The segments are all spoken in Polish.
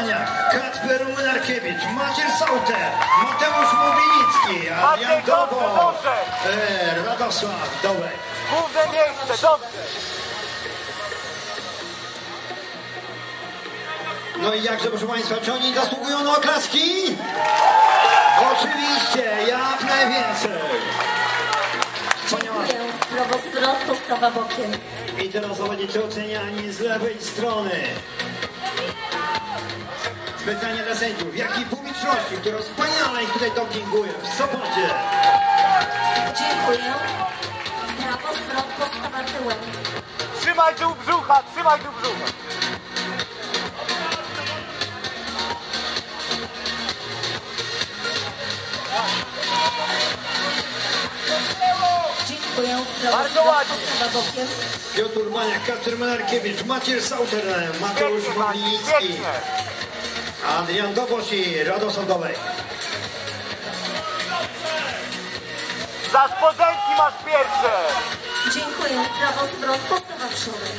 Maniak, Kacper Młynarkiewicz, Maciej Sauter, Mateusz Mobilicki, Adrian Dobo, Radosław Dołek. Główne miejsce, dobrze. No i jakże, proszę Państwa, czy oni zasługują na oklaski? Oczywiście, jak najwięcej. Dziękuję. Prawo zwrot, postawa bokiem. I teraz zawodnicy oceniani z lewej strony. Specjalnie dla sędziów, jak i publiczności, która wspaniale ich tutaj dopinguje w Sopocie. Dziękuję. Prawo zwrot, postawa tyłem. Trzymaj tu brzucha, trzymaj tu brzucha. Dziękuję. Prawo Bardzo zwrot, ładnie. postawa bokiem. Piotr Maniak, Kacper Młynarkiewicz, Maciej Sauter, Mateusz Pięknie, Maciej, Mobilicki, pięknie. Adrian Dobosz i Radosław Dołek. Za spodenki masz pierwsze. Dziękuję. Prawo zwrot, postawa przodem.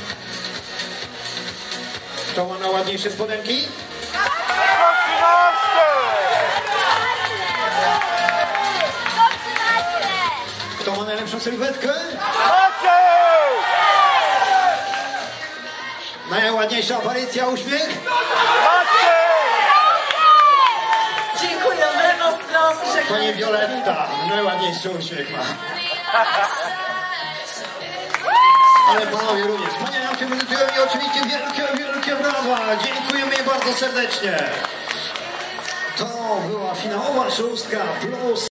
Kto ma na ładniejsze spodenki? 113. Kto ma najlepszą sylwetkę? Maciej! Najładniejsza aparycja, uśmiech? Maciej! Dziękuję. Lewo zwrot, Pani żegnamy. Wioletta, najładniejszy uśmiech ma. Ale panowie również. Panie nam się prezentują i oczywiście wielkie brawa. Dziękujemy jej bardzo serdecznie. To była finałowa szóstka plus